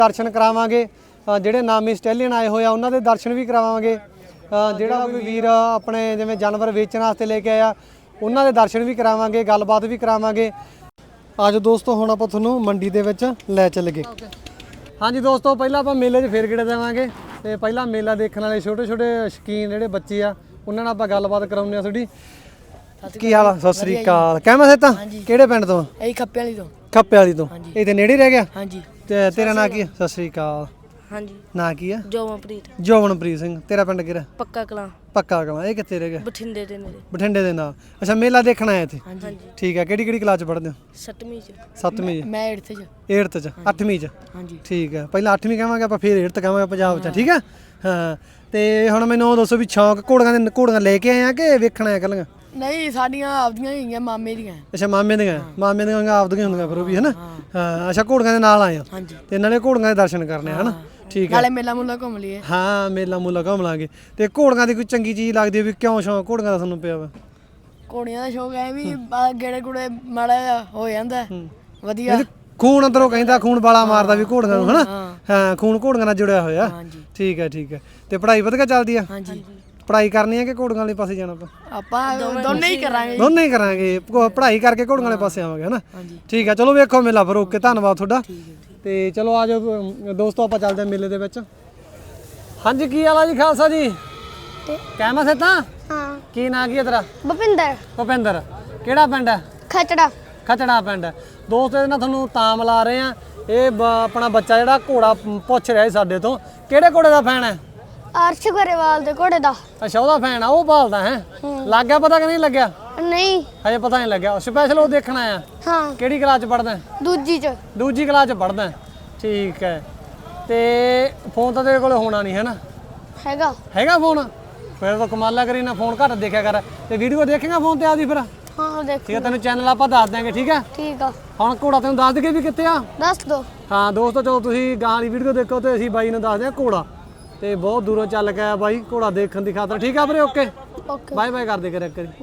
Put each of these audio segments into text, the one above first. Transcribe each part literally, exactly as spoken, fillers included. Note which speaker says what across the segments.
Speaker 1: ਦਰਸ਼ਨ ਕਰਾਵਾਂਗੇ। ਜਿਹੜੇ ਨਾਮੀ ਸਟੈਲੀਅਨ ਆਏ ਹੋਏ ਆ ਉਹਨਾਂ ਦੇ ਦਰਸ਼ਨ ਵੀ ਕਰਾਵਾਂਗੇ। ਜਿਹੜਾ ਕੋਈ ਵੀਰ ਆਪਣੇ ਜਿਵੇਂ ਜਾਨਵਰ ਵੇਚਣ ਵਾਸਤੇ ਲੈ ਕੇ ਆਇਆ ਉਹਨਾਂ ਦੇ ਦਰਸ਼ਨ ਵੀ ਕਰਾਵਾਂਗੇ, ਗੱਲਬਾਤ ਵੀ ਕਰਾਵਾਂਗੇ। ਅੱਜ ਦੋਸਤੋ ਹੁਣ ਆਪਾਂ ਤੁਹਾਨੂੰ ਮੰਡੀ ਦੇ ਵਿੱਚ ਲੈ ਚੱਲ ਗਏ। ਹਾਂਜੀ ਦੋਸਤੋ, ਪਹਿਲਾਂ ਆਪਾਂ ਮੇਲੇ 'ਚ ਫੇਰ ਗੇੜਾ ਦੇਵਾਂਗੇ ਤੇ ਪਹਿਲਾਂ ਮੇਲਾ ਦੇਖਣ ਵਾਲੇ ਛੋਟੇ ਛੋਟੇ ਸ਼ੌਕੀਨ ਜਿਹੜੇ ਬੱਚੇ ਆ ਉਹਨਾਂ ਨਾਲ ਆਪਾਂ ਗੱਲਬਾਤ ਕਰਾਉਂਦੇ ਆ ਥੋੜੀ। ਕੀ ਹਾਲ ਆ? ਸਤਿ ਸ੍ਰੀ ਅਕਾਲ। ਕਿਵੇਂ ਸੇ ਤਾਂ ਕਿਹੜੇ ਪਿੰਡ ਤੋਂ?
Speaker 2: ਇਹ ਖੱਪੇ ਵਾਲੀ ਤੋਂ।
Speaker 1: ਖੱਪੇ ਵਾਲੀ ਤੋਂ। ਇੱਥੇ ਨੇੜੇ ਰਹਿ ਗਿਆ?
Speaker 2: ਹਾਂਜੀ।
Speaker 1: ਤੇ ਤੇਰਾ ਨਾਂ ਕੀ ਹੈ? ਸਤਿ ਸ੍ਰੀ ਅਕਾਲ।
Speaker 2: ਹਾਂਜੀ।
Speaker 1: ਨਾਂ ਕੀ ਆ?
Speaker 2: ਜੋਵਨਪ੍ਰੀਤ।
Speaker 1: ਜੋਵਨਪ੍ਰੀਤ ਸਿੰਘ। ਤੇਰਾ ਪਿੰਡ ਕਿਹੜਾ?
Speaker 2: ਪੱਕਾ ਕਲਾਂ।
Speaker 1: ਪੱਕਾ ਕਲਾਂ। ਇਹ ਕਿੱਥੇ ਰਹਿ ਗਿਆ?
Speaker 2: ਬਠਿੰਡੇ ਦੇ ਨੇੜੇ।
Speaker 1: ਬਠਿੰਡੇ ਦੇ ਨਾਲ। ਅੱਛਾ, ਮੇਲਾ ਦੇਖਣ ਆਇਆ ਇੱਥੇ?
Speaker 2: ਹਾਂਜੀ।
Speaker 1: ਠੀਕ ਆ। ਕਿਹੜੀ ਕਿਹੜੀ ਕਲਾਸ ਚ ਪੜ੍ਹਦੇ ਹੋ?
Speaker 2: ਸੱਤਵੀਂ ਚ।
Speaker 1: ਸੱਤਵੀਂ ਚ?
Speaker 2: ਮੈਂ ਅੱਠਵੀਂ ਚ।
Speaker 1: ਅੱਠਵੀਂ ਚ? ਅੱਠਵੀਂ ਚ?
Speaker 2: ਹਾਂਜੀ।
Speaker 1: ਠੀਕ ਆ। ਪਹਿਲਾਂ ਅੱਠਵੀਂ ਕਹਾਂਗੇ ਆਪਾਂ, ਫਿਰ ਅੱਠਵੀਂ ਕਹਾਂਗੇ ਪੰਜਾਬ ਚ। ਠੀਕ ਆ। ਹਾਂ, ਤੇ ਹੁਣ ਮੈਨੂੰ ਉਹ ਦੱਸੋ ਵੀ ਸ਼ੌਂਕ ਘੋੜੀਆਂ ਦੇ ਘੋੜੀਆਂ ਲੈ ਕੇ ਆਏ ਆ ਕਿ ਵੇਖਣ ਆਇਆ ਕੱਲੀਆਂ?
Speaker 2: ਨਹੀਂ, ਸਾਡੀਆਂ ਆਪਦੀਆਂ ਹੀ ਹੈਗੀਆਂ, ਮਾਮੇ ਦੀਆਂ।
Speaker 1: ਅੱਛਾ, ਮਾਮੇ ਦੀਆਂ? ਮਾਮੇ ਦੀਆਂ ਆਪਦੀਆਂ ਹੁੰਦੀਆਂ ਫਿਰ ਉਹ ਵੀ, ਹਨਾ? ਹਾਂ। ਅੱਛਾ, ਘੋੜੀਆਂ ਦੇ ਨਾਲ ਆਏ ਆ ਤੇ ਨਾਲੇ ਘੋੜੀਆਂ ਦੇ ਦਰਸ਼ਨ ਕਰਨੇ, ਹਨਾ? ਠੀਕ ਹੈ।
Speaker 2: ਨਾਲੇ ਮੇਲਾ ਮੂਲਾ ਘੁੰਮ ਲਈਏ।
Speaker 1: ਹਾਂ, ਮੇਲਾ ਮੂਲਾ ਘੁੰਮ ਲਾਂਗੇ। ਤੇ ਘੋੜੀਆਂ ਦੀ ਕੋਈ ਚੰਗੀ ਚੀਜ਼ ਲੱਗਦੀ ਹੈ ਵੀ ਕਿਉਂ ਸ਼ੌਂਕ ਘੋੜੀਆਂ ਦਾ ਤੁਹਾਨੂੰ ਪਿਆ ਵਾ?
Speaker 2: ਘੋੜੀਆਂ ਦਾ ਸ਼ੌਕ ਐ ਵੀ ਗੇੜੇ ਗੁੜੇ ਮਾੜਾ ਹੋ ਜਾਂਦਾ ਵਧੀਆ।
Speaker 1: ਖੂਨ ਅੰਦਰੋਂ ਕਹਿੰਦਾ, ਖੂਨ ਬਾਲਾ ਮਾਰਦਾ ਵੀ ਘੋੜੀਆਂ ਨੂੰ, ਹਨਾ? ਹਾਂ, ਖੂਨ ਘੋੜੀਆਂ ਨਾਲ ਜੁੜਿਆ ਹੋਇਆ। ਠੀਕ ਹੈ, ਠੀਕ ਹੈ। ਤੇ ਪੜ੍ਹਾਈ ਵਧੀਆ ਚੱਲਦੀ ਆ?
Speaker 2: ਹਾਂਜੀ।
Speaker 1: ਪੜ੍ਹਾਈ ਕਰਨੀ ਹੈ ਕਿ ਘੋੜੀਆਂ ਵਾਲੇ ਪਾਸੇ ਜਾਣਾ? ਆਪਾਂ
Speaker 2: ਆਪਾਂ ਦੋਨੇ ਹੀ ਕਰਾਂਗੇ।
Speaker 1: ਦੋਨੇ ਹੀ ਕਰਾਂਗੇ। ਪੜ੍ਹਾਈ ਕਰਕੇ ਘੋੜੀਆਂ ਵਾਲੇ ਪਾਸੇ ਆਵਾਂਗੇ, ਹਨਾ? ਠੀਕ ਹੈ, ਚਲੋ ਵੇਖੋ ਮੇਲਾ ਫਿਰ। ਓਕੇ, ਧੰਨਵਾਦ ਤੁਹਾਡਾ। ਤੇ ਚਲੋ ਆ ਜਾਓ ਦੋਸਤੋ, ਆਪਾਂ ਚੱਲਦੇ ਹਾਂ ਮੇਲੇ ਦੇ ਵਿੱਚ। ਹਾਂਜੀ, ਕੀ ਹਾਲ ਆ ਜੀ ਖਾਲਸਾ ਜੀ? ਕਹਿਮਾ ਸੇ ਤਾਂ?
Speaker 3: ਹਾਂ।
Speaker 1: ਕੀ ਨਾਂ ਕੀ ਹੈ ਤੇਰਾ?
Speaker 3: ਭੁਪਿੰਦਰ।
Speaker 1: ਭੁਪਿੰਦਰ। ਕਿਹੜਾ ਪਿੰਡ ਹੈ?
Speaker 3: ਖਚੜਾ।
Speaker 1: ਖਚੜਾ ਪਿੰਡ। ਦੋਸਤੋ, ਇਹਦੇ ਨਾਲ ਤੁਹਾਨੂੰ ਤਾਂ ਮਿਲਾ ਰਹੇ ਆ। ਇਹ ਆਪਣਾ ਬੱਚਾ ਜਿਹੜਾ ਘੋੜਾ ਪੁੱਛ ਰਿਹਾ ਸੀ ਸਾਡੇ ਤੋਂ, ਕਿਹੜੇ ਘੋੜੇ ਦਾ ਫੈਨ ਹੈ?
Speaker 3: ਅਰਸ਼ ਗਰੇਵਾਲ ਦੇ ਘੋੜੇ ਦਾ।
Speaker 1: ਅੱਛਾ, ਉਹਦਾ ਫੈਨ ਆ, ਉਹ ਭਾਲਦਾ ਹੈ। ਲੱਗ ਗਿਆ ਪਤਾ ਕਿ ਨਹੀਂ ਲੱਗਿਆ?
Speaker 3: ਨਹੀਂ,
Speaker 1: ਹਜੇ ਪਤਾ ਨਹੀਂ ਲੱਗਿਆ। ਸਪੈਸ਼ਲ ਉਹ ਦੇਖਣ ਆਇਆ?
Speaker 3: ਹਾਂ।
Speaker 1: ਕਿਹੜੀ ਕਲਾਸ ਚ ਪੜਦਾ?
Speaker 3: ਦੂਜੀ ਚ।
Speaker 1: ਦੂਜੀ ਕਲਾਸ ਚ ਪੜਦਾ। ਠੀਕ ਹੈ। ਤੇ ਫੋਨ ਤਾਂ ਤੇਰੇ ਕੋਲ ਹੋਣਾ ਨਹੀਂ, ਹੈ ਨਾ?
Speaker 3: ਹੈਗਾ।
Speaker 1: ਹੈਗਾ ਫੋਨ? ਫਿਰ ਤਾਂ ਕਮਾਲਾ ਕਰੀ ਨਾ, ਫੋਨ ਘੱਟ ਦੇਖਿਆ ਕਰ ਤੇ ਵੀਡੀਓ ਦੇਖੇਗਾ ਫੋਨ ਤੇ ਆਦੀ ਫਿਰ।
Speaker 3: ਹਾਂ, ਦੇਖ।
Speaker 1: ਠੀਕ ਹੈ, ਤੈਨੂੰ ਚੈਨਲ ਆਪਾਂ ਦੱਸ ਦਾਂਗੇ। ਠੀਕ ਹੈ।
Speaker 3: ਠੀਕ ਆ।
Speaker 1: ਹੁਣ ਘੋੜਾ ਤੈਨੂੰ ਦੱਸ ਦਈਏ ਵੀ ਕਿੱਥੇ ਆ?
Speaker 3: ਦੱਸ ਦੋ।
Speaker 1: ਹਾਂ ਦੋਸਤੋ, ਚਲੋ ਤੁਸੀਂ ਗਾਂ ਵਾਲੀ ਵੀਡੀਓ ਦੇਖੋ ਤੇ ਅਸੀਂ ਬਾਈ ਨੂੰ ਦੱਸਦੇ ਆ ਘੋੜਾ। ਤੇ ਬਹੁਤ ਦੂਰੋਂ ਚੱਲ ਕੇ ਆਇਆ ਬਾਈ ਘੋੜਾ ਦੇਖਣ ਦੀ ਖਾਤਰ। ਠੀਕ ਆ ਵੀਰੇ, ਓਕੇ
Speaker 3: ਓਕੇ,
Speaker 1: ਬਾਏ ਬਾਏ ਕਰਦੇ ਕਰਿਆ ਕਰੀ।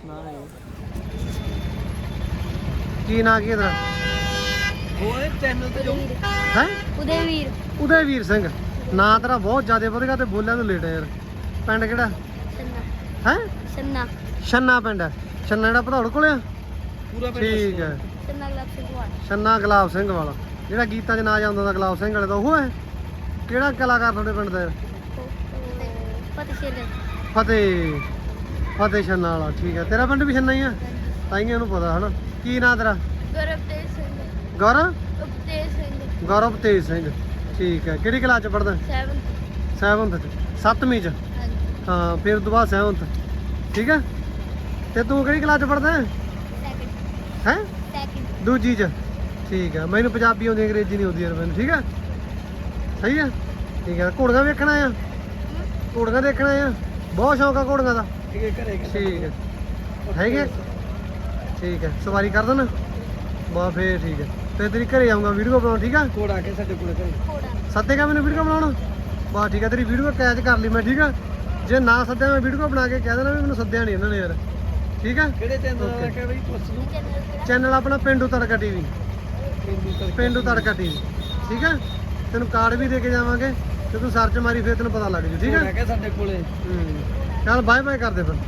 Speaker 1: ਕੀ ਨਾਂ ਕੀ ਇਹਦਾ?
Speaker 2: ਹੋਏ ਚੈਨਲ ਤੇ ਜੋ
Speaker 1: ਹੈ
Speaker 3: ਉਦੈਵੀਰ।
Speaker 1: ਉਦੈਵੀਰ ਸਿੰਘ। ਨਾਂ ਤੇਰਾ ਬਹੁਤ ਜ਼ਿਆਦਾ ਵਧੀਆ ਤੇ ਬੋਲਿਆ ਤੂੰ ਲੇਟ ਯਾਰ। ਪਿੰਡ ਕਿਹੜਾ?
Speaker 3: ਸੰਨਾ।
Speaker 1: ਹੈ?
Speaker 3: ਸੰਨਾ।
Speaker 1: ਛੰਨਾ ਪਿੰਡ ਹੈ। ਛੰਨਾ ਜਿਹੜਾ ਭਦੌੜ ਕੋਲੇ ਆ?
Speaker 2: ਪੂਰਾ ਪਿੰਡ।
Speaker 1: ਠੀਕ ਹੈ।
Speaker 3: ਸੰਨਾ ਗਲਾਬ ਸਿੰਘ ਵਾਲਾ।
Speaker 1: ਛੰਨਾ ਗੁਲਾਬ ਸਿੰਘ ਵਾਲਾ, ਜਿਹੜਾ ਗੀਤਾਂ 'ਚ ਨਾਂ ਜਾਂਦਾ ਹੁੰਦਾ ਗੁਲਾਬ ਸਿੰਘ ਵਾਲੇ ਦਾ, ਉਹ ਹੈ? ਕਿਹੜਾ ਕਲਾਕਾਰ ਤੁਹਾਡੇ ਪਿੰਡ ਦਾ?
Speaker 3: ਪਤੀ ਸ਼ੇਰ।
Speaker 1: ਫਤਿਹ। ਫਤਿਹ ਛੰਨਾ ਵਾਲਾ। ਠੀਕ ਹੈ। ਤੇਰਾ ਪਿੰਡ ਵੀ ਛੰਨਾ ਹੀ ਆ? ਤਾਈਆਂ ਨੂੰ ਪਤਾ, ਹਨਾ? ਕੀ ਨਾਂ ਤੇਰਾ?
Speaker 3: ਗੌਰਵਤੇਜ ਸਿੰਘ।
Speaker 1: ਗੌਰਵ?
Speaker 3: ਉਪਤੇਜ ਸਿੰਘ।
Speaker 1: ਗੌਰਵ ਤੇਜ ਸਿੰਘ। ਠੀਕ ਹੈ। ਕਿਹੜੀ ਕਲਾਸ ਚ ਪੜਦਾ?
Speaker 3: ਸੈਵਨਥ।
Speaker 1: ਸੈਵਨਥ ਚ? ਸੱਤਵੀਂ ਚ?
Speaker 3: ਹਾਂਜੀ।
Speaker 1: ਹਾਂ, ਫਿਰ ਤੋਂ ਬਾਅਦ ਸੈਵਨਥ। ਠੀਕ ਹੈ। ਤੇ ਤੂੰ ਕਿਹੜੀ ਕਲਾਸ ਚ ਪੜਦਾ ਹੈ?
Speaker 3: ਸੈਕਿੰਡ।
Speaker 1: ਹੈ?
Speaker 3: ਸੈਕਿੰਡ।
Speaker 1: ਦੂਜੀ ਚ? ਠੀਕ ਹੈ। ਮੈਨੂੰ ਪੰਜਾਬੀ ਆਉਂਦੀ, ਅੰਗਰੇਜ਼ੀ ਨਹੀਂ ਆਉਂਦੀ ਯਾਰ ਮੈਨੂੰ। ਠੀਕ ਹੈ। ਸਹੀ ਹੈ। ਠੀਕ ਹੈ। ਘੋੜੀਆਂ ਵੇਖਣਾ ਆ? ਘੋੜੀਆਂ ਦੇਖਣਾ ਆ? ਬਹੁਤ ਸ਼ੌਂਕ ਆ ਘੋੜੀਆਂ ਦਾ? ਠੀਕ ਹੈ। ਹੈਗੇ? ਠੀਕ ਹੈ। ਸਵਾਰੀ ਕਰ ਦੇਣਾ? ਬਾ ਫੇਰ ਠੀਕ ਹੈ। ਤੇ ਤੇਰੀ ਘਰੇ ਆਉਂਗਾ ਵੀਡੀਓ ਬਣਾਉਣ। ਠੀਕ ਆ?
Speaker 2: ਘੋੜਾ ਕੇ ਸਾਡੇ ਕੋਲ ਘਰੇ।
Speaker 3: ਘੋੜਾ।
Speaker 1: ਸੱਦੇਗਾ ਮੈਨੂੰ ਵੀਡੀਓ ਬਣਾਉਣ? ਬਾ ਠੀਕ ਹੈ। ਤੇਰੀ ਵੀਡੀਓ ਕੈਚ ਕਰ ਲਈ ਮੈਂ। ਠੀਕ ਆ? ਜੇ ਨਾ ਸੱਦਿਆ ਮੈਂ ਵੀਡੀਓ ਬਣਾ ਕੇ ਕਹਿ ਦੇਣਾ ਵੀ ਮੈਨੂੰ ਸੱਦਿਆ ਨਹੀਂ ਇਹਨਾਂ ਨੇ ਯਾਰ। ਠੀਕ ਆ?
Speaker 2: ਕਿਹੜੇ ਚੈਨਲ ਦਾ ਰੱਖਿਆ ਬਈ? ਪੁੱਛ ਲੂ।
Speaker 1: ਚੈਨਲ ਆਪਣਾ ਪਿੰਡੂ ਤੜਕਾ ਟੀਵੀ। ਪਿੰਡੂ ਤੜਕਾ ਟੀਵੀ। ਠੀਕ ਆ? ਤੈਨੂੰ ਕਾਰਡ ਵੀ ਦੇ ਕੇ ਜਾਵਾਂਗੇ ਤੇ ਤੂੰ ਸਰਚ ਮਾਰੀ ਫੇਰ ਤੈਨੂੰ ਪਤਾ ਲੱਗ ਜੂ। ਠੀਕ ਆ?
Speaker 2: ਸਾਡੇ ਕੋਲੇ।
Speaker 1: ਚੱਲ ਬਾਏ ਬਾਏ ਕਰਦੇ ਫਿਰ।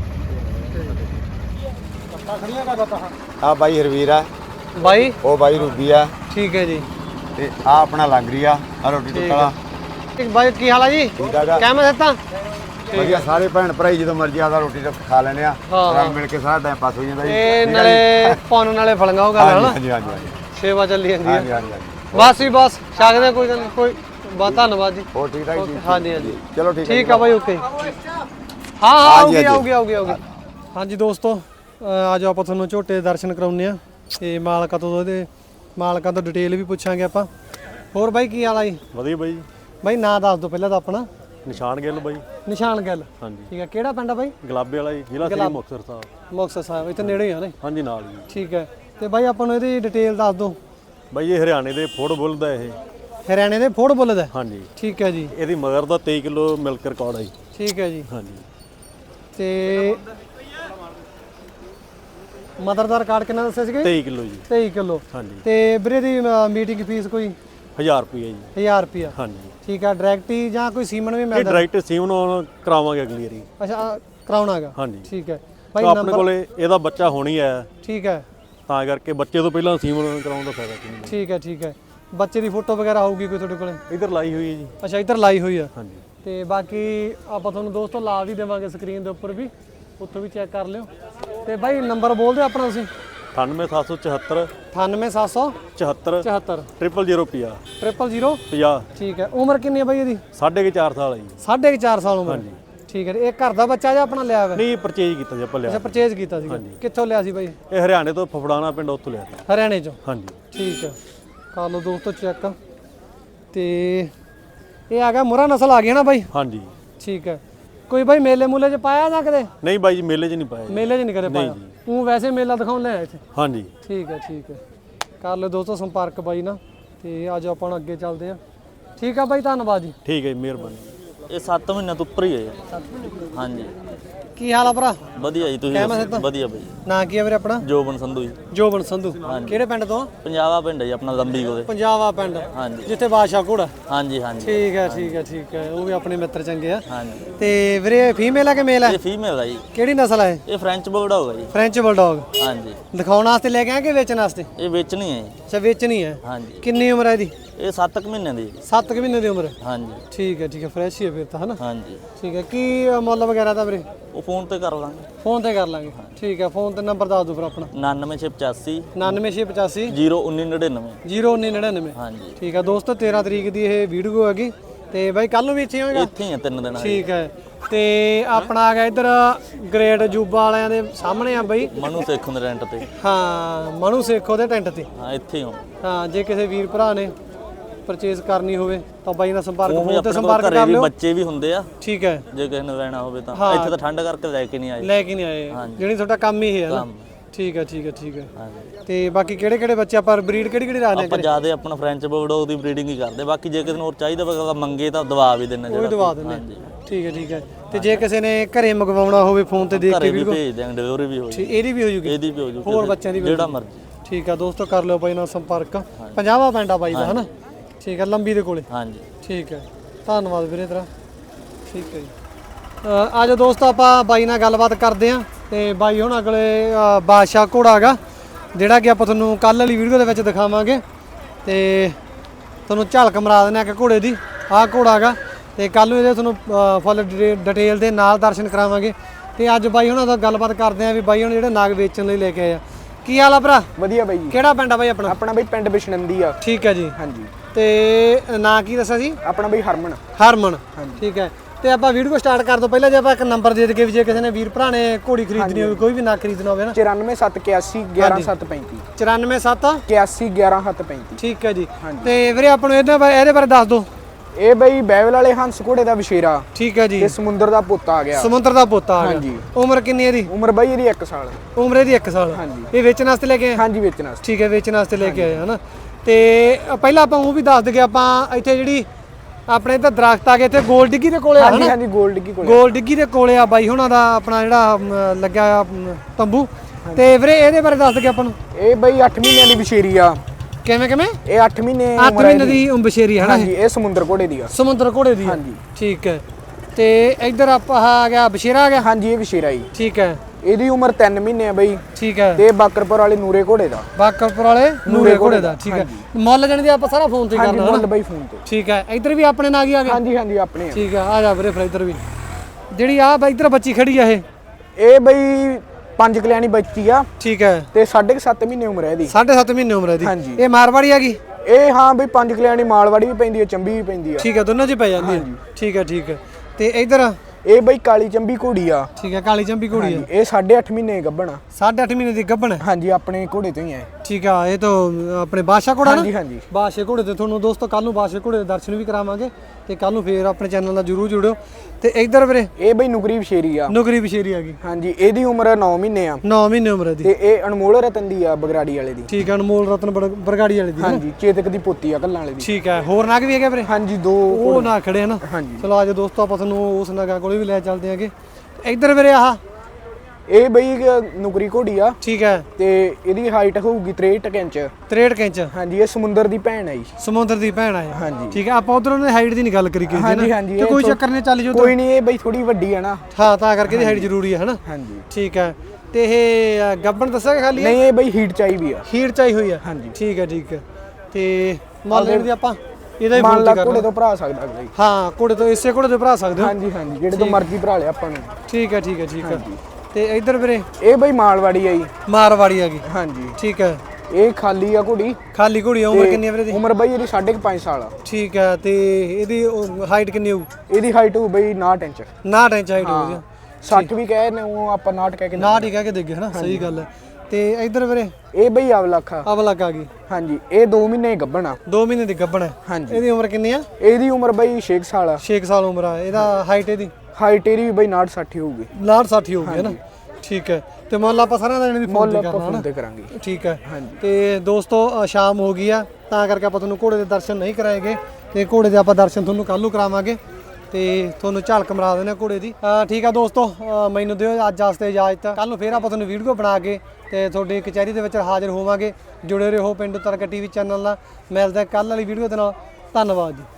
Speaker 4: ਆ ਬਾਈ ਹਰਵੀਰ ਆ,
Speaker 1: ਬਾਈ
Speaker 4: ਉਹ ਬਾਈ ਰੂਬੀ ਆ,
Speaker 1: ਠੀਕ ਹੈ ਜੀ।
Speaker 4: ਤੇ ਆ ਆਪਣਾ ਲਾਂਗਰੀ ਆ, ਆ ਰੋਟੀ ਟੁੱਕਾ ਵਾਲਾ।
Speaker 1: ਇੱਕ ਬਾਈ ਕੀ ਹਾਲ ਆ ਜੀ?
Speaker 4: ਠੀਕ ਆ।
Speaker 1: ਕਿਵੇਂ ਦਿੱਤਾ?
Speaker 4: ਵਧੀਆ। ਸਾਰੇ ਭੈਣ ਭਰਾਈ ਜਦੋਂ ਮਰਜ਼ੀ ਆਦਾ ਰੋਟੀ ਟੁੱਕ ਖਾ ਲੈਣੇ ਆ, ਰਲ ਮਿਲ ਕੇ ਸਾਰਾ ਟਾਈਮ ਪਾਸ ਹੋ ਜਾਂਦਾ ਜੀ।
Speaker 1: ਇਹ ਨਾਲੇ ਪਾਉਣ ਨਾਲੇ ਫਲੰਗਾ ਉਹ ਗੱਲ ਹੈ ਨਾ?
Speaker 4: ਹਾਂਜੀ ਹਾਂਜੀ ਹਾਂਜੀ
Speaker 1: ਸੇਵਾ ਚੱਲੀ ਜਾਂਦੀ
Speaker 4: ਹਾਂਜੀ
Speaker 1: ਹੈ।
Speaker 4: ਹਾਂਜੀ।
Speaker 1: ਬਸ ਵੀ ਬਸ ਛਕਦੇ ਕੋਈ ਗੱਲ ਕੋਈ ਬਾ ਧੰਨਵਾਦ ਜੀ।
Speaker 4: ਹੋਰ ਠੀਕ ਠਾਕ ਜੀ?
Speaker 1: ਹਾਂਜੀ ਹਾਂਜੀ
Speaker 4: ਚਲੋ ਠੀਕ ਹੈ।
Speaker 1: ਠੀਕ ਆ ਬਾਈ, ਓਕੇ। ਹਾਂ ਹਾਂ, ਆਉਗੀ ਆਉਗੀ ਆਉਗੀ ਆਉਗੀ। ਹਾਂਜੀ ਦੋਸਤੋ, ਅੱਜ ਆਪਾਂ ਤੁਹਾਨੂੰ ਝੋਟੇ ਦੇ ਦਰਸ਼ਨ ਕਰਾਉਂਦੇ ਆ ਤੇ ਮਾਲਕਾਂ ਤੋਂ ਉਹਦੇ ਮਾਲਕਾਂ ਤੋਂ ਡਿਟੇਲ ਵੀ ਪੁੱਛਾਂਗੇ ਆਪਾਂ। ਹੋਰ ਬਾਈ ਕੀ ਹਾਲ ਆ ਜੀ?
Speaker 5: ਵਧੀਆ ਬਾਈ।
Speaker 1: ਬਾਈ ਨਾਂ ਦੱਸ ਦਿਓ ਪਹਿਲਾਂ ਤਾਂ ਆਪਣਾ।
Speaker 5: ਨਿਸ਼ਾਨ ਗਿੱਲ ਬਾਈ।
Speaker 1: ਨਿਸ਼ਾਨ ਗਿੱਲ।
Speaker 5: ਹਾਂਜੀ।
Speaker 1: ਠੀਕ ਹੈ। ਕਿਹੜਾ ਪਿੰਡ ਆ ਬਾਈ?
Speaker 5: ਗੁਲਾਬੇ ਵਾਲਾ ਜੀ, ਜ਼ਿਲ੍ਹਾ ਸ੍ਰੀ ਮੁਕਤਸਰ ਸਾਹਿਬ।
Speaker 1: ਮੁਕਤਸਰ ਸਾਹਿਬ ਇੱਥੇ ਨੇੜੇ ਹੀ ਆ ਨੇ?
Speaker 5: ਹਾਂਜੀ, ਨਾਲ ਜੀ।
Speaker 1: ਠੀਕ ਹੈ। ਤੇ ਬਾਈ ਆਪਾਂ ਨੂੰ ਇਹਦੀ ਡਿਟੇਲ ਦੱਸ ਦਿਓ।
Speaker 5: ਬਾਈ ਇਹ ਹਰਿਆਣੇ ਦੇ ਫੋੜ ਬੁੱਲ ਦਾ ਇਹ।
Speaker 1: ਹਰਿਆਣੇ ਦੇ ਫੋੜ ਬੁੱਲ ਦਾ?
Speaker 5: ਹਾਂਜੀ।
Speaker 1: ਠੀਕ ਹੈ ਜੀ।
Speaker 5: ਇਹਦੀ ਮਗਰ ਦਾ ਤੇਈ ਕਿਲੋ ਮਿਲਕ ਰਿਕਾਰਡ ਹੈ ਜੀ।
Speaker 1: ਠੀਕ ਹੈ ਜੀ।
Speaker 5: ਹਾਂਜੀ।
Speaker 1: ਤੇ ਮਦਰ ਦਾ ਰਿਕਾਰਡ ਕਿੰਨਾ ਦੱਸਿਆ ਸੀਗਾ?
Speaker 5: ਤੇਈ ਕਿਲੋ ਜੀ।
Speaker 1: ਤੇਈ ਕਿਲੋ।
Speaker 5: ਹਾਂਜੀ।
Speaker 1: ਤੇ ਵੀਰੇ ਦੀ ਮੀਟਿੰਗ ਫੀਸ ਕੋਈ?
Speaker 5: ਹਜ਼ਾਰ ਰੁਪਏ ਜੀ
Speaker 1: ਹਜ਼ਾਰ ਰੁਪਿਆ
Speaker 5: ਹਾਂਜੀ
Speaker 1: ਠੀਕ ਆ ਡਾਇਰੈਕਟ ਜਾਂ ਕੋਈ ਸੀਮਨ ਵੀ
Speaker 5: ਇਹ
Speaker 1: ਮਿਲਦਾ
Speaker 5: ਡਾਇਰੈਕਟ ਸੀਮਨ on ਕਰਾਵਾਂਗੇ ਅਗਲੀ ਵਾਰੀ
Speaker 1: ਅੱਛਾ ਕਰਾਉਣਾਗਾ
Speaker 5: ਹਾਂਜੀ
Speaker 1: ਠੀਕ ਹੈ
Speaker 5: ਤਾਂ
Speaker 1: ਭਾਈ
Speaker 5: ਆਪਣੇ
Speaker 1: ਨੰਬਰ
Speaker 5: ਕੋਲੇ ਇਹਦਾ ਬੱਚਾ ਹੋਣੀ ਹੈ
Speaker 1: ਠੀਕ ਹੈ
Speaker 5: ਤਾਂ ਕਰਕੇ ਬੱਚੇ ਤੋਂ ਪਹਿਲਾਂ ਸੀਮਨ ਕਰਾਉਣ ਦਾ ਫਾਇਦਾ ਕੀ ਨਹੀਂ
Speaker 1: ਠੀਕ ਹੈ ਠੀਕ ਹੈ ਬੱਚੇ ਦੀ ਫੋਟੋ ਵਗੈਰਾ ਹੋਊਗੀ ਕੋਈ ਤੁਹਾਡੇ ਕੋਲੇ
Speaker 5: ਇਧਰ ਲਾਈ ਹੋਈ ਹੈ ਜੀ
Speaker 1: ਅੱਛਾ ਇੱਧਰ ਲਾਈ ਹੋਈ ਆ
Speaker 5: ਹਾਂਜੀ
Speaker 1: ਤੇ ਬਾਕੀ ਆਪਾਂ ਤੁਹਾਨੂੰ ਦੋਸਤੋ ਲਾ ਵੀ ਦੇਵਾਂਗੇ ਸਕਰੀਨ ਦੇ ਉੱਪਰ ਵੀ ਉੱਥੋਂ ਵੀ ਚੈੱਕ ਕਰ ਲਿਓ ਤੇ ਬਾਈ ਨੰਬਰ ਬੋਲ ਦਿਓ ਆਪਣਾ ਤੁਸੀਂ
Speaker 5: ਅਠਾਨਵੇਂ ਸੱਤ ਸੌ ਚੁਹੱਤਰ
Speaker 1: ਅਠਾਨਵੇਂ ਸੱਤ ਸੌ
Speaker 5: ਚੁਹੱਤਰ
Speaker 1: ਚੁਹੱਤਰ
Speaker 5: ਟ੍ਰਿਪਲ ਜ਼ੀਰੋ ਪੰਜਾਹ
Speaker 1: ਟ੍ਰਿਪਲ ਜ਼ੀਰੋ
Speaker 5: ਪੰਜਾਹ
Speaker 1: ਠੀਕ ਹੈ ਉਮਰ ਕਿੰਨੀ ਹੈ ਬਾਈ ਇਹਦੀ
Speaker 5: ਸਾਢੇ ਕੁ ਚਾਰ ਸਾਲ ਹੈ ਜੀ
Speaker 1: ਸਾਢੇ ਕੁ ਚਾਰ ਸਾਲ ਉਮਰ
Speaker 5: ਹਾਂਜੀ।
Speaker 1: ਠੀਕ ਹੈ ਇਹ ਘਰ ਦਾ ਬੱਚਾ ਜਾਂ ਆਪਣਾ ਲਿਆ ਹੋਇਆ
Speaker 5: ਨਹੀਂ ਪਰਚੇਜ ਕੀਤਾ ਜੀ ਆਪਾਂ
Speaker 1: ਅੱਛਾ
Speaker 5: ਲਿਆ
Speaker 1: ਪਰਚੇਜ਼ ਕੀਤਾ ਸੀਗਾ ਕਿੱਥੋਂ ਲਿਆ ਸੀ ਬਾਈ
Speaker 5: ਇਹ ਹਰਿਆਣੇ ਤੋਂ ਫਫੜਾਣਾ ਪਿੰਡ ਉੱਥੋਂ ਲਿਆ ਸੀ
Speaker 1: ਹਰਿਆਣੇ ਚੋਂ
Speaker 5: ਹਾਂਜੀ
Speaker 1: ਠੀਕ ਹੈ ਕਰ ਲਓ ਦੋਸਤੋ ਚੈੱਕ ਤੇ ਇਹ ਆ ਗਿਆ ਮੁਰਾ ਨਸਲ ਆ ਗਈ ਨਾ ਬਾਈ
Speaker 5: ਹਾਂਜੀ
Speaker 1: ਠੀਕ ਹੈ ਕੋਈ ਬਾਈ ਮੇਲੇ ਮੂਲੇ 'ਚ ਪਾਇਆ ਜਾਂ ਕਦੇ
Speaker 5: ਨਹੀਂ ਬਾਈ ਜੀ ਮੇਲੇ 'ਚ ਨਹੀਂ ਪਾਇਆ ਜੀ।
Speaker 1: ਮੇਲੇ 'ਚ ਨਹੀਂ ਕਦੇ ਪਾਇਆ ਤੂੰ ਵੈਸੇ ਮੇਲਾ ਦਿਖਾਉਣ ਲਿਆ ਇੱਥੇ
Speaker 5: ਹਾਂਜੀ
Speaker 1: ਠੀਕ ਹੈ ਠੀਕ ਹੈ ਕਰ ਲਓ ਦੋਸਤੋ ਸੰਪਰਕ ਬਾਈ ਨਾਲ ਤੇ ਅੱਜ ਆਪਾਂ ਹੁਣ ਅੱਗੇ ਚੱਲਦੇ ਹਾਂ ਠੀਕ ਆ ਬਾਈ ਧੰਨਵਾਦ ਜੀ
Speaker 5: ਠੀਕ ਹੈ ਜੀ ਮਿਹਰਬਾਨੀ
Speaker 6: ਇਹ ਸੱਤ ਮਹੀਨਿਆਂ ਤੋਂ ਉੱਪਰ ਹੀ ਹੈ ਜੀ। ਹਾਂਜੀ
Speaker 1: ਕੀ ਹਾਲ ਆ ਭਰਾ
Speaker 6: ਵਧੀਆ ਜੀ ਤੁਸੀਂ
Speaker 1: ਕਹਿ ਮੈਂ
Speaker 6: ਦੱਸੋ?
Speaker 1: ਸਿੱਧਾ?
Speaker 6: ਵਧੀਆ ਬਈ
Speaker 1: ਨਾਂ ਕੀ ਆ ਵੀਰੇ ਆਪਣਾ
Speaker 6: ਜੋਬਨ ਸੰਧੂ ਜੀ
Speaker 1: ਜੋਬਨ ਸੰਧੂ ਕਿਹੜੇ ਪਿੰਡ ਤੋਂ
Speaker 6: ਪੰਜਾਬਾ ਪਿੰਡ ਹੈ ਜੀ ਆਪਣਾ ਲੰਬੀ ਕੋਲੇ
Speaker 1: ਪੰਜਾਬਾ ਪਿੰਡ
Speaker 6: ਹਾਂਜੀ
Speaker 1: ਜਿੱਥੇ ਬਾਦਸ਼ਾਹ ਘੋੜਾ
Speaker 6: ਹਾਂਜੀ ਹਾਂਜੀ
Speaker 1: ਠੀਕ ਹੈ ਠੀਕ ਹੈ ਠੀਕ ਹੈ ਉਹ ਵੀ ਆਪਣੇ ਮਿੱਤਰ ਚੰਗੇ ਆ
Speaker 6: ਹਾਂਜੀ
Speaker 1: ਤੇ ਵੀਰੇ ਫੀਮੇਲ ਆ ਕਿ ਮੇਲ ਆ
Speaker 6: ਇਹ ਫੀਮੇਲ ਹੈ ਜੀ
Speaker 1: ਕਿਹੜੀ ਨਸਲ ਹੈ
Speaker 6: ਇਹ ਫ੍ਰੈਂਚ ਬੁਲਡੌਗ ਹੋਗਾ ਜੀ
Speaker 1: ਫ੍ਰੈਂਚ ਬੁਲਡੌਗ
Speaker 6: ਹਾਂਜੀ
Speaker 1: ਦਿਖਾਉਣ ਵਾਸਤੇ ਲੈ ਕੇ ਆਏ ਕਿ ਵੇਚਣ ਵਾਸਤੇ
Speaker 6: ਇਹ ਵੇਚਣੀ ਹੈ ਜੀ
Speaker 1: ਅੱਛਾ ਵੇਚਣੀ ਹੈ
Speaker 6: ਹਾਂਜੀ
Speaker 1: ਕਿੰਨੀ ਉਮਰ ਹੈ ਇਹਦੀ
Speaker 6: ਇਹ ਸੱਤ ਕੁ ਮਹੀਨਿਆਂ ਦੀ ਹੈ ਜੀ।
Speaker 1: ਸੱਤ ਕੁ ਮਹੀਨੇ ਦੀ ਉਮਰ ਹੈ
Speaker 6: ਹਾਂਜੀ
Speaker 1: ਠੀਕ ਹੈ ਠੀਕ ਹੈ ਫਰੈਸ਼ ਹੀ ਹੈ ਫਿਰ ਤਾਂ ਹਨਾ
Speaker 6: ਹਾਂਜੀ
Speaker 1: ਠੀਕ ਹੈ ਕੀ ਅ, ਮੁੱਲ ਵਗੈਰਾ ਦਾ ਵੀਰੇ
Speaker 6: ਉਹ ਫੋਨ ਤੇ ਕਰ ਲਾਂਗੇ
Speaker 1: ਫੋਨ ਤੇ ਕਰ ਲਾਂਗੇ ਠੀਕ ਹੈ ਫੋਨ ਤੇ ਨੰਬਰ ਦੱਸ ਦਿਓ ਫਿਰ ਆਪਣਾ
Speaker 6: ਉਨਾਨਵੇਂ ਛੇ ਪਚਾਸੀ
Speaker 1: ਨਾਨਵੇਂ ਛੇ ਪਚਾਸੀ
Speaker 6: ਜ਼ੀਰੋ ਉੱਨੀ ਨੜਿਨਵੇਂ
Speaker 1: ਜ਼ੀਰੋ ਉੱਨੀ ਨੜਿਨਵੇਂ
Speaker 6: ਹਾਂਜੀ
Speaker 1: ਠੀਕ ਹੈ ਦੋਸਤੋ ਤੇਰਾਂ ਤਰੀਕ ਦੀ ਇਹ ਵੀਡੀਓ ਹੈਗੀ ਤੇ ਬਾਈ ਕੱਲ ਨੂੰ ਵੀ ਇੱਥੇ ਹੋਵੇਗਾ
Speaker 6: ਇੱਥੇ ਹੀ ਆ ਤਿੰਨ ਦਿਨ ਹਜੇ।
Speaker 1: ਠੀਕ ਹੈ ਤੇ ਆਪਣਾ ਆ ਗਿਆ ਇੱਧਰ ਗ੍ਰੇਟ ਜੂਬਾ ਵਾਲਿਆਂ ਦੇ ਸਾਹਮਣੇ ਆ ਬਾਈ
Speaker 6: ਮਨੂ ਸੇਖੋਂ ਦੇ ਰੈਂਟ ਤੇ
Speaker 1: ਹਾਂ ਮਨੂ ਸੇਖੋ ਦੇ ਟੈਂਟ ਤੇ
Speaker 6: ਹਾਂ ਇੱਥੇ ਹੀ ਹੋ
Speaker 1: ਹਾਂ ਜੇ ਕਿਸੇ ਵੀਰ ਭਰਾ ਨੇ ਪਰਚੇਸ ਕਰਨੀ ਹੋਵੇ ਤਾਂ ਬਾਈ ਨਾਲ ਸੰਪਰਕ
Speaker 6: ਉਹ ਵੀ
Speaker 1: ਫੋਨ ਤੇ
Speaker 6: ਆਪਣੇ ਕੋਲ
Speaker 1: ਸੰਪਰਕ
Speaker 6: ਘਰੇ
Speaker 1: ਕਰ
Speaker 6: ਵੀ
Speaker 1: ਲਿਓ
Speaker 6: ਬੱਚੇ ਵੀ ਹੁੰਦੇ ਆ
Speaker 1: ਠੀਕ ਹੈ
Speaker 6: ਜੇ ਕਿਸੇ ਨੇ ਲੈਣਾ ਹੋਵੇ ਤਾਂ ਇੱਥੇ ਤਾਂ ਠੰਡ ਕਰਕੇ ਲੈ ਕੇ ਨਹੀਂ ਆਏ
Speaker 1: ਲੈ ਕੇ ਨਹੀਂ ਆਏ ਜਿਹੜੀ ਤੁਹਾਡਾ ਕੰਮ ਹੀ ਹੈ ਨਾ
Speaker 6: ਕੰਮ।
Speaker 1: ਠੀਕ ਹੈ ਠੀਕ ਹੈ ਠੀਕ ਹੈ
Speaker 6: ਹਾਂਜੀ
Speaker 1: ਤੇ ਬਾਕੀ ਕਿਹੜੇ ਕਿਹੜੇ ਬੱਚੇ ਆਪਾਂ ਬਰੀਡ ਕਿਹੜੀ ਕਿਹੜੀ ਰੱਖਦੇ
Speaker 6: ਆਪਾਂ ਜਿਆਦਾ ਆਪਣਾ ਫ੍ਰੈਂਚ ਬੁਲਡੌਗ ਦੀ ਬਰੀਡਿੰਗ ਹੀ ਕਰਦੇ ਬਾਕੀ ਜੇ ਕਿਸੇ ਨੂੰ ਹੋਰ ਚਾਹੀਦਾ ਹੋਵੇ ਮੰਗੇ ਤਾਂ ਦਵਾ ਵੀ ਦਿੰਨੇ
Speaker 1: ਉਹ ਵੀ ਦਵਾ ਦਿੰਦੇ ਠੀਕ ਹੈ ਠੀਕ ਹੈ ਤੇ ਜੇ ਕਿਸੇ ਨੇ ਘਰੇ ਮੰਗਵਾਉਣਾ ਹੋਵੇ ਫੋਨ ਤੇ ਦੇਖ ਕੇ
Speaker 6: ਘਰੇ ਵੀ
Speaker 1: ਵੀਡੀਓ
Speaker 6: ਭੇਜ ਦਿਆਂਗੇ ਡਿਲੀਵਰੀ ਵੀ ਹੋ
Speaker 1: ਠੀਕ ਇਹਦੀ ਵੀ ਹੋ ਜੂਗੀ
Speaker 6: ਇਹਦੀ ਵੀ ਹੋ ਜੂ
Speaker 1: ਹੋਰ ਬੱਚਿਆਂ ਦੀ ਵੀ ਹੋ
Speaker 6: ਜਿਹੜਾ
Speaker 1: ਜੂਗੀ।
Speaker 6: ਮਰਜ਼ੀ
Speaker 1: ਠੀਕ ਆ ਦੋਸਤੋ ਕਰ ਲਿਓ ਬਾਈ ਨਾਲ ਸੰਪਰਕ ਪੰਜਾਬਾ ਪਿੰਡ ਆ ਬਾਈ ਦਾ ਹਨਾ ਠੀਕ ਆ ਲੰਬੀ ਦੇ ਕੋਲੇ
Speaker 6: ਹਾਂਜੀ
Speaker 1: ਠੀਕ ਹੈ ਧੰਨਵਾਦ ਵੀਰੇ ਤੇਰਾ ਠੀਕ ਹੈ ਜੀ ਅ, ਅੱਜ ਦੋਸਤੋ ਆਪਾਂ ਬਾਈ ਨਾਲ ਗੱਲਬਾਤ ਕਰਦੇ ਆਂ ਤੇ ਬਾਈ ਹੁਣ ਅਗਲੇ ਅ, ਬਾਦਸ਼ਾਹ ਘੋੜਾ ਹੈਗਾ ਜਿਹੜਾ ਕਿ ਆਪਾਂ ਤੁਹਾਨੂੰ ਕੱਲ ਵਾਲੀ ਵੀਡੀਓ ਦੇ ਵਿੱਚ ਦਿਖਾਵਾਂਗੇ ਤੇ ਤੁਹਾਨੂੰ ਝਲਕ ਮਰਾ ਦਿੰਦੇ ਆ ਕਿ ਘੋੜੇ ਦੀ ਆਹ ਘੋੜਾ ਹੈਗਾ ਤੇ ਕੱਲ ਨੂੰ ਇਹਦੇ ਤੁਹਾਨੂੰ ਅ, ਫੁੱਲ ਡਿਟੇਲ ਦੇ ਨਾਲ ਦਰਸ਼ਨ ਕਰਾਵਾਂਗੇ ਤੇ ਅੱਜ ਬਾਈ ਹੁਣਾਂ ਦਾ ਗੱਲਬਾਤ ਕਰਦੇ ਆਂ ਵੀ ਬਾਈ ਹੁਣ ਜਿਹੜੇ ਨਾਗ ਵੇਚਣ ਲਈ ਲੈ ਕੇ ਆਏ ਆ ਕੀ ਹਾਲ ਆ ਭਰਾ
Speaker 7: ਵਧੀਆ ਬਾਈ ਜੀ
Speaker 1: ਕਿਹੜਾ ਪਿੰਡ ਆ ਬਾਈ ਆਪਣਾ
Speaker 7: ਆਪਣਾ ਬਾਈ ਪਿੰਡ ਬਿਸ਼ਨੰਦੀ ਆ
Speaker 1: ਠੀਕ ਹੈ ਜੀ
Speaker 7: ਹਾਂਜੀ
Speaker 1: ਤੇ ਨਾਂ ਕੀ ਦੱਸਿਆ ਸੀ
Speaker 7: ਆਪਣਾ ਬਾਈ ਹਰਮਨ
Speaker 1: ਹਰਮਨ ਠੀਕ ਹੈ ਤੇ ਆਪਾਂ ਵੀਡੀਓ ਸਟਾਰਟ ਕਰ ਤੋਂ ਪਹਿਲਾਂ ਜੇ ਆਪਾਂ ਇੱਕ ਨੰਬਰ ਦੇ ਦਈਏ ਵੀ ਜੇ ਕਿਸੇ ਨੇ ਵੀਰ ਭਰਾ ਨੇ ਘੋੜੀ ਖਰੀਦਣੀ ਹੋਵੇ ਕੋਈ ਵੀ ਨਾ ਖਰੀਦਣਾ ਹੋਵੇ ਨਾ
Speaker 7: ਚੁਰਾਨਵੇਂ ਸੱਤ ਇਕਿਆਸੀ ਗਿਆਰਾਂ ਸੱਤ ਪੈਂਤੀ
Speaker 1: ਚੁਰਾਨਵੇਂ ਸੱਤ
Speaker 7: ਇਕਿਆਸੀ ਗਿਆਰਾਂ ਸੱਤ ਪੈਂਤੀ
Speaker 1: ਠੀਕ ਹੈ ਜੀ ਤੇ ਵੀਰੇ ਆਪਾਂ ਨੂੰ ਇਹਦੇ ਬਾਰੇ ਇਹਦੇ ਬਾਰੇ ਦੱਸ ਦਿਓ
Speaker 7: ਇਹ ਬਾਈ ਬੈਵਲ ਵਾਲੇ ਹੰਸ ਘੋੜੇ ਦਾ ਵਿਸ਼ੇਰਾ
Speaker 1: ਠੀਕ ਹੈ ਜੀ
Speaker 7: ਤੇ ਸਮੁੰਦਰ ਦਾ ਪੁੱਤ ਆ ਗਿਆ
Speaker 1: ਸਮੁੰਦਰ ਦਾ ਪੁੱਤ ਆ ਗਿਆ
Speaker 7: ਹਾਂਜੀ।
Speaker 1: ਉਮਰ ਕਿੰਨੀ ਹੈ ਇਹਦੀ
Speaker 7: ਉਮਰ ਬਾਈ ਇਹਦੀ ਇੱਕ ਸਾਲ
Speaker 1: ਉਮਰ ਇਹਦੀ ਇੱਕ ਸਾਲ
Speaker 7: ਹਾਂਜੀ।
Speaker 1: ਇਹ ਵੇਚਣ ਵਾਸਤੇ ਲੈ ਕੇ ਆਏ
Speaker 7: ਹਾਂਜੀ ਵੇਚਣ ਵਾਸਤੇ
Speaker 1: ਠੀਕ ਹੈ ਵੇਚਣ ਵਾਸਤੇ ਲੈ ਕੇ ਆਏ ਹਨਾ ਤੇ ਅ, ਪਹਿਲਾਂ ਆਪਾਂ ਉਹ ਵੀ ਦੱਸ ਦਈਏ ਆਪਾਂ ਇੱਥੇ ਜਿਹੜੀ ਆਪਣੇ ਇੱਧਰ ਦਰਖਤ ਆ ਗਏ ਇੱਥੇ ਗੋਲ ਡਿੱਗੀ ਦੇ ਕੋਲੇ ਆ
Speaker 7: ਹਾਂਜੀ
Speaker 1: ਹਨਾ
Speaker 7: ਹਾਂਜੀ ਗੋਲਡ ਕੀ ਕੋਲ
Speaker 1: ਗੋਲ ਡਿੱਗੀ ਦੇ ਕੋਲੇ ਆ ਬਾਈ ਹੁਣਾਂ ਦਾ ਆਪਣਾ ਜਿਹੜਾ ਅਮ, ਲੱਗਿਆ ਆ ਅਮ, ਤੰਬੂ ਤੇ ਵੀਰੇ ਇਹਦੇ ਬਾਰੇ ਦੱਸ ਦਈਏ ਆਪਾਂ ਨੂੰ
Speaker 7: ਇਹ ਬਾਈ ਅੱਠ ਮਹੀਨਿਆਂ ਦੀ ਵਿਸ਼ੇਰੀ ਆ
Speaker 1: ਕਿਵੇਂ ਕਿਵੇਂ
Speaker 7: ਇਹ ਅੱਠ ਮਹੀਨੇ
Speaker 1: ਅੱਠ
Speaker 7: ਉਮਰ ਹੈ
Speaker 1: ਮਹੀਨੇ ਦੀ ਬਸ਼ੇਰੀ ਹਨਾ
Speaker 7: ਹਾਂਜੀ ਇਹ ਸਮੁੰਦਰ ਘੋੜੇ ਦੀ ਆ
Speaker 1: ਸਮੁੰਦਰ ਘੋੜੇ ਦੀ ਆ।
Speaker 7: ਹਾਂਜੀ।
Speaker 1: ਠੀਕ ਹੈ ਤੇ ਇੱਧਰ ਆਪਾਂ ਆ ਗਿਆ ਬਸ਼ੇਰਾ ਆ ਗਿਆ
Speaker 7: ਹਾਂਜੀ ਇਹ ਵਿਸ਼ੇਰਾ ਜੀ
Speaker 1: ਠੀਕ ਹੈ
Speaker 7: ਇਹਦੀ ਉਮਰ ਤਿੰਨ ਮਹੀਨੇ ਆ ਬਾਈ
Speaker 1: ਠੀਕ ਹੈ
Speaker 7: ਤੇ ਬਾਕਰਪੁਰ ਵਾਲੇ ਨੂਰੇ ਘੋੜੇ ਦਾ
Speaker 1: ਬਾਕਰਪੁਰ ਵਾਲੇ ਨੂਰੇ ਘੋੜੇ ਦਾ ਠੀਕ ਹੈ ਮੁੱਲ ਜਾਣੀ ਦੀ ਆਪਾਂ ਸਾਰਾ ਫੋਨ ਤੇ
Speaker 7: ਹਾਂਜੀ
Speaker 1: ਕਰਨਾ
Speaker 7: ਮੁੱਲ
Speaker 1: ਹਨਾ
Speaker 7: ਬਾਈ ਫੋਨ ਤੇ
Speaker 1: ਠੀਕ ਹੈ ਇੱਧਰ ਵੀ ਆਪਣੇ ਨਾਲ ਹੀ ਆ ਗਿਆ
Speaker 7: ਹਾਂਜੀ ਹਾਂਜੀ ਆਪਣੇ ਆ
Speaker 1: ਠੀਕ ਹੈ ਆ ਜਾ ਵੀਰੇ ਫਿਰ ਇੱਧਰ ਵੀ ਜਿਹੜੀ ਆ ਬਾਈ ਇੱਧਰ ਬੱਚੀ ਖੜੀ ਆ ਇਹ
Speaker 7: ਇਹ ਬਈ ਪੰਜ ਕਲਿਆਣੀ ਬੱਚੀ ਆ
Speaker 1: ਠੀਕ ਹੈ
Speaker 7: ਤੇ ਸਾਢੇ ਕੁ ਸੱਤ ਮਹੀਨੇ ਉਮਰ ਹੈ ਇਹਦੀ
Speaker 1: ਸਾਢੇ ਸੱਤ ਮਹੀਨੇ ਉਮਰ ਹੈ ਇਹਦੀ
Speaker 7: ਹਾਂਜੀ।
Speaker 1: ਇਹ ਮਾਰਵਾੜੀ ਹੈਗੀ
Speaker 7: ਇਹ ਹਾਂ ਬਈ ਪੰਜ ਕਲਿਆਣੀ ਮਾਲਵਾੜੀ ਵੀ ਪੈਂਦੀ ਹੈ ਚੰਬੀ ਵੀ ਪੈਂਦੀ ਆ
Speaker 1: ਠੀਕ ਹੈ ਦੋਨਾਂ 'ਚ ਪੈ ਜਾਂਦੀ ਹੈ ਠੀਕ ਹੈ ਠੀਕ ਹੈ ਤੇ ਇੱਧਰ
Speaker 7: ਇਹ ਬਈ ਕਾਲੀ ਚੰਬੀ ਘੋੜੀ ਆ
Speaker 1: ਠੀਕ ਹੈ ਕਾਲੀ ਚੰਬੀ ਘੋੜੀ ਹੈ
Speaker 7: ਇਹ ਸਾਢੇ ਅੱਠ ਮਹੀਨੇ ਗੱਭਣ ਆ
Speaker 1: ਸਾਢੇ ਅੱਠ ਮਹੀਨੇ ਦੀ ਗੱਭਣ ਹੈ
Speaker 7: ਹਾਂਜੀ ਆਪਣੇ ਘੋੜੇ ਤੋਂ ਹੀ ਆ
Speaker 1: ਠੀਕ ਆ ਇਹ ਤਾਂ ਆਪਣੇ ਬਾਦਸ਼ਾਹ ਘੋੜਾ ਨਾ
Speaker 7: ਹਾਂਜੀ ਹਾਂਜੀ
Speaker 1: ਬਾਦਸ਼ਾਹ ਘੋੜੇ ਤੇ ਤੁਹਾਨੂੰ ਦੋਸਤੋ ਕੱਲ ਨੂੰ ਬਾਦਸ਼ਾਹ ਘੋੜੇ ਦੇ ਦਰਸ਼ਨ ਵੀ ਕਰਾਵਾਂਗੇ ਤੇ ਕੱਲ ਨੂੰ ਫੇਰ ਆਪਣੇ ਚੈਨਲ ਨਾਲ ਜਰੂਰ ਜੁੜਿਓ ਤੇ ਇੱਧਰ ਵੀਰੇ
Speaker 7: ਇਹ ਬਈ ਨੁਕਰੀ ਵਿਸ਼ੇਰੀ ਆ
Speaker 1: ਨੁਕਰੀ ਬਸ਼ੇਰੀ ਆ ਗਈ
Speaker 7: ਹਾਂਜੀ ਇਹਦੀ ਉਮਰ ਨੌ ਮਹੀਨੇ ਆ
Speaker 1: ਨੌ ਮਹੀਨੇ ਉਮਰ ਦੀ
Speaker 7: ਤੇ ਇਹ ਅਨਮੋਲ ਰਤਨ ਦੀ ਆ ਬਗਰਾੜੀ ਵਾਲੇ ਦੀ
Speaker 1: ਠੀਕ ਆ ਅਨਮੋਲ ਰਤਨ ਬੜ- ਬਰਗਾੜੀ ਵਾਲੇ ਦੀ ਨਾ?
Speaker 7: ਹਾਂਜੀ ਚੇਤਕ ਦੀ ਪੋਤੀ ਆ ਕੱਲਾਂ ਵਾਲੇ ਦੀ
Speaker 1: ਠੀਕ ਹੈ ਹੋਰ ਨਾਗ ਵੀ ਹੈਗੇ ਵੀਰੇ
Speaker 7: ਹਾਂਜੀ ਦੋ
Speaker 1: ਉਹ ਨਾ ਖੜੇ ਹਨ
Speaker 7: ਹਾਂਜੀ।
Speaker 1: ਚਲੋ ਅੱਜ ਦੋਸਤੋ ਆਪਾਂ ਤੁਹਾਨੂੰ ਉਸ ਨਾਗਾ ਕੋਲੇ ਵੀ ਲੈ ਚੱਲਦੇ ਆਂਗੇ ਇੱਧਰ ਵੀਰੇ ਆਹ
Speaker 7: ਇਹ ਬਈ ਇੱਕ ਨੁਕਰੀ ਘੋੜੀ ਆ
Speaker 1: ਠੀਕ ਹੈ
Speaker 7: ਤੇ ਇਹਦੀ ਹਾਈਟ ਹੋਊਗੀ ਤਰੇਹਠ ਇੰਚ।
Speaker 1: ਤਰੇਹਠ ਇੰਚ।
Speaker 7: ਹਾਂਜੀ ਇਹ ਸਮੁੰਦਰ ਦੀ ਭੈਣ ਹੈ ਜੀ।
Speaker 1: ਸਮੁੰਦਰ ਦੀ ਭੈਣ ਆ ਇਹ।
Speaker 7: ਹਾਂਜੀ।
Speaker 1: ਠੀਕ ਹੈ ਆਪਾਂ ਉਧਰੋਂ ਦੀ ਹਾਈਟ ਦੀ ਨਹੀਂ ਗੱਲ ਕਰੀ ਕਿਸੇ ਦੀ
Speaker 7: ਹਾਂਜੀ
Speaker 1: ਨਾ
Speaker 7: ਹਾਂਜੀ
Speaker 1: ਤੇ
Speaker 7: ਇਹ
Speaker 1: ਕੋਈ
Speaker 7: ਥੋ-
Speaker 1: ਚੱਕਰ ਨਹੀਂ, ਚੱਲ ਜੋ
Speaker 7: ਕੋਈ ਨਹੀਂ, ਇਹ ਬਈ ਥੋੜੀ ਵੱਡੀ ਆ ਨਾ।
Speaker 1: ਹਾਂ ਤਾਂ ਕਰਕੇ ਇਹਦੀ ਹਾਈਟ ਜ਼ਰੂਰੀ ਹੈ ਹਨਾ।
Speaker 7: ਹਾਂਜੀ।
Speaker 1: ਠੀਕ ਹੈ ਤੇ ਇਹ ਅ, ਗੱਬਣ ਦੱਸਿਆ ਖਾਲੀ
Speaker 7: ਨਹੀਂ ਇਹ ਬਈ ਹੀਟ ਚਾਈ ਵੀ ਆ।
Speaker 1: ਹੀਟ ਚਾਈ ਹੋਈ ਆ।
Speaker 7: ਹਾਂਜੀ।
Speaker 1: ਠੀਕ ਹੈ ਠੀਕ ਹੈ ਤੇ ਮੰਨ ਲੈਣ ਦੀ ਆਪਾਂ ਇਹਦਾ ਹੀ
Speaker 7: ਮੰਨ
Speaker 1: ਫੋਨ
Speaker 7: ਲਾ
Speaker 1: ਤੇ
Speaker 7: ਘੋੜੇ
Speaker 1: ਕਰਨਾ।
Speaker 7: ਤੋਂ ਭਰਾ ਸਕਦਾ ਅਗਲਾ ਜੀ।
Speaker 1: ਹਾਂ ਘੋੜੇ ਤੋਂ ਇਸੇ ਘੋੜੇ ਤੋਂ ਭਰਾ ਸਕਦੇ ਹੋ।
Speaker 7: ਹਾਂਜੀ ਹਾਂਜੀ ਜਿਹੜੇ ਤੋਂ ਮਰਜ਼ੀ ਭਰਾ ਲਿਆ ਆਪਾਂ ਨੂੰ।
Speaker 1: ਠੀਕ ਹੈ ਠੀਕ ਹੈ ਠੀਕ ਹੈ ਤੇ ਇੱਧਰ ਵੀਰੇ
Speaker 7: ਇਹ ਬਈ ਮਾਲਵਾੜੀ ਆ ਜੀ।
Speaker 1: ਮਾਰਵਾੜੀ ਆ ਗਈ।
Speaker 7: ਹਾਂਜੀ
Speaker 1: ਠੀਕ ਹੈ
Speaker 7: ਇਹ ਖਾਲੀ ਆ ਘੋੜੀ।
Speaker 1: ਖਾਲੀ ਘੋੜੀ ਆ, ਉਮਰ
Speaker 7: ਤੇ
Speaker 1: ਕਿੰਨੀ ਹੈ ਵੀਰੇ ਦੀ?
Speaker 7: ਉਮਰ ਬਈ ਇਹਦੀ ਸਾਢੇ ਕੁ ਪੰਜ ਸਾਲ ਆ।
Speaker 1: ਠੀਕ ਹੈ ਤੇ ਇਹਦੀ ਹਾਈਟ ਕਿੰਨੀ ਹੋਊ?
Speaker 7: ਇਹਦੀ ਹਾਈਟ ਹੋਊ ਬਈ ਉਨਾਹਠ ਇੰਚ।
Speaker 1: ਉਨਾਹਠ ਇੰਚ ਹਾਈਟ ਹੋਊਗੀ।
Speaker 7: ਹਾਂ ਸੱਠ ਵੀ ਕਹੇ ਨੇ, ਉਹ ਆਪਾਂ ਉਨਾਹਠ ਕਹਿ ਕੇ
Speaker 1: ਉਨਾਹਠ ਹੀ ਕਹਿ ਕੇ ਦੇਗੇ ਹਨਾ, ਸਹੀ ਗੱਲ ਹੈ। ਤੇ ਇੱਧਰ ਵੀਰੇ
Speaker 7: ਇਹ ਬਈ ਅਵਲਖ ਆ।
Speaker 1: ਅਵਲਕ ਆ ਗਈ।
Speaker 7: ਹਾਂਜੀ ਇਹ ਦੋ ਮਹੀਨੇ ਗੱਭਣ ਆ।
Speaker 1: ਦੋ ਮਹੀਨੇ ਦੀ ਗੱਭਣ ਹੈ।
Speaker 7: ਹਾਂਜੀ।
Speaker 1: ਇਹਦੀ ਉਮਰ ਕਿੰਨੀ ਆ?
Speaker 7: ਇਹਦੀ ਉਮਰ ਬਈ ਛੇ ਕੁ ਸਾਲ ਆ।
Speaker 1: ਛੇ ਕੁ ਸਾਲ ਉਮਰ ਆ। ਇਹਦਾ ਹਾਈਟ ਇਹਦੀ
Speaker 7: ਹਾਈਟ ਇਹਦੀ ਵੀ ਬਈ ਉਨਾਹਠ ਸੱਠ ਹੀ ਹੋਊਗੀ।
Speaker 1: ਉਨਾਹਠ ਸੱਠ ਹੀ ਹੋਊਗੀ ਹੈ ਨਾ। ਠੀਕ ਹੈ ਤੇ ਮੁੱਲ ਆਪਾਂ ਸਾਰਿਆਂ ਦਾ ਇਹਨਾਂ ਦੀ ਫੋਨ
Speaker 7: ਮੁੱਲ
Speaker 1: ਤੇ
Speaker 7: ਆਪਾਂ
Speaker 1: ਕਰਨਾ
Speaker 7: ਫੋਨ
Speaker 1: ਹਨਾ।
Speaker 7: ਤੇ ਕਰਾਂਗੇ।
Speaker 1: ਠੀਕ ਹੈ
Speaker 7: ਹਾਂਜੀ।
Speaker 1: ਤੇ ਦੋਸਤੋ ਅ, ਸ਼ਾਮ ਹੋ ਗਈ ਆ ਤਾਂ ਕਰਕੇ ਆਪਾਂ ਤੁਹਾਨੂੰ ਘੋੜੇ ਦੇ ਦਰਸ਼ਨ ਨਹੀਂ ਕਰਾਏਗੇ ਤੇ ਘੋੜੇ ਦੇ ਆਪਾਂ ਦਰਸ਼ਨ ਤੁਹਾਨੂੰ ਕੱਲ ਨੂੰ ਕਰਾਵਾਂਗੇ ਤੇ ਤੁਹਾਨੂੰ ਝਲਕ ਮਰਾ ਦਿੰਦੇ ਆ ਘੋੜੇ ਦੀ। ਅ, ਠੀਕ ਆ ਦੋਸਤੋ ਅ, ਮੈਨੂੰ ਦਿਓ ਅੱਜ ਵਾਸਤੇ ਇਜਾਜ਼ਤ। ਕੱਲ ਨੂੰ ਫੇਰ ਆਪਾਂ ਤੁਹਾਨੂੰ ਵੀਡੀਓ ਬਣਾ ਕੇ ਤੇ ਤੁਹਾਡੀ ਕਚਹਿਰੀ ਦੇ ਵਿੱਚ ਹਾਜ਼ਰ ਹੋਵਾਂਗੇ। ਜੁੜੇ ਰਹੋ ਪਿੰਡ ਤਰਕ ਟੀਵੀ ਚੈਨਲ ਨਾਲ। ਮਿਲਦੇ ਕੱਲ ਵਾਲੀ ਵੀਡੀਓ ਦੇ ਨਾਲ। ਧੰਨਵਾਦ ਜੀ।